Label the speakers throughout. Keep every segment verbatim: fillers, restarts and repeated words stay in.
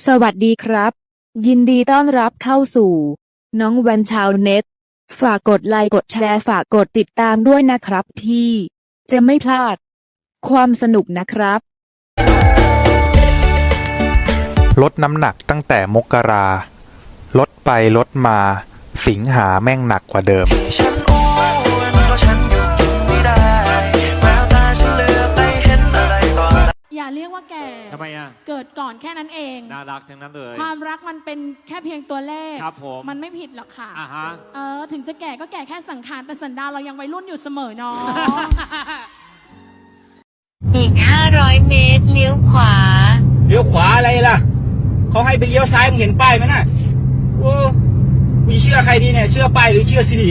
Speaker 1: สวัสดีครับยินดีต้อนรับเข้าสู่น้องแวนชาวเน็ตฝากกดไลค์กดแชร์ฝากกดติดตามด้วยนะครับที่จะไม่พลาดความสนุกนะครับ
Speaker 2: ลดน้ำหนักตั้งแต่มกราลดไปลดมาสิงหาแม่งหนักกว่าเดิม
Speaker 3: ฉันอ้วนเพราะฉันหยุดกินไม่ได้แววตาฉันเหลือไปเห็นอะไรต่อ
Speaker 4: อย่าเรียกว่าแก่
Speaker 5: ทำไมอ่ะ
Speaker 4: เกิดก่อนแค่นั้นเอง
Speaker 5: น่ารักทั้งนั้นเลย
Speaker 4: ความรักมันเป็นแค่เพียงตัวเลข
Speaker 5: ครับผม
Speaker 4: มันไม่ผิดหรอกค่ะ
Speaker 5: อ่าฮะ
Speaker 4: เออถึงจะแก่ก็แก่แค่สังขารแต่สันดานเรายังวัยรุ่นอยู่เสมอเนาะ
Speaker 6: อีกห้าร้อยเมตรเลี้ยวขวา
Speaker 7: เลี้ยวขวาอะไรล่ะเขาให้ไปเลี้ยวซ้ายมึงเห็นป้ายไหมน่ะโอ้กูเชื่อใครดีเนี่ยเชื่อป้ายหรือเชื่อสิริ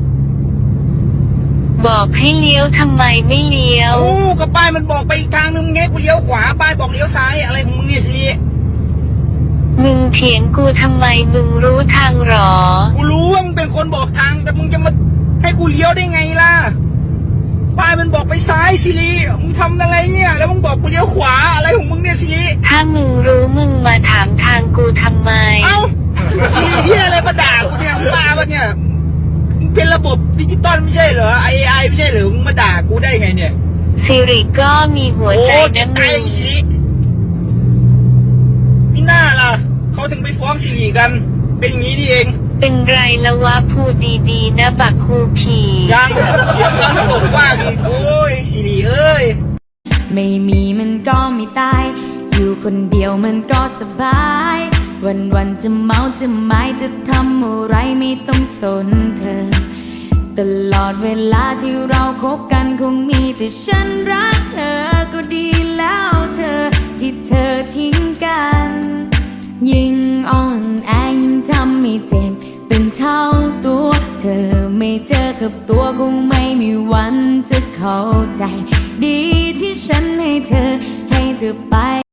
Speaker 6: บอกให้เลี้ยวทำไมไม่เลี้ยว
Speaker 7: โอ้ก็ป้ายมันบอกไปอีกทางนึงไงกูเลี้ยวขวาป้ายบอกเลี้ยวซ้ายอะไรของมึงเนี่ยสิริ
Speaker 6: มึงเถียงกูทำไมมึงรู้ทางหรอ
Speaker 7: กูรู้ว่ามึงเป็นคนบอกทางแต่มึงจะมาให้กูเลี้ยวได้ไงล่ะป้ายมันบอกไปซ้ายสิริมึงทำอะไรเนี่ยแล้วมึงบอกกูเลี้ยวขวาอะไรของมึงเนี่ยสิริ
Speaker 6: ถ้ามึงรู้มึงมาถามทางกูทำไม
Speaker 7: เอ้าสิริเหี้ยอะไรมาด่ากูเนี่ยมึงบ้าปะเนี่ยเป็นระบบดิจิตอลไม่ใช่เหรอไอไอไม่ใช่เหรอมึงมาด่ากูได้ไงเนี่ย
Speaker 6: สิริก็มีหัวใจนะมึง
Speaker 7: สิรินี่น่าล่ะเขาถึงไปฟ้องสิริกันเป็นอย่างนี้นี่เอง
Speaker 6: เป็นไรละวะพูดดีๆนะบักคูผี
Speaker 7: ยังเดี๋ยวมันตกฟ้าอีกโอ้ยสิริเอ้ย
Speaker 8: ไม่มีมันก็ไม่ตายอยู่คนเดียวมันก็สบายวันวันจะเมาจะไม้จะทำอะไรไม่ต้องสนเธอตลอดเวลาที่เราคบกันคงมีแต่ฉันรักเธอก็ดีแล้วเธอที่เธอทิ้งกันยิ่งอ่อนแอยิ่งทำให้เจ็บเป็นเท่าตัวเธอไม่เจอกับตัวคงไม่มีวันจะเข้าใจดีที่ฉันให้เธอให้เธอไป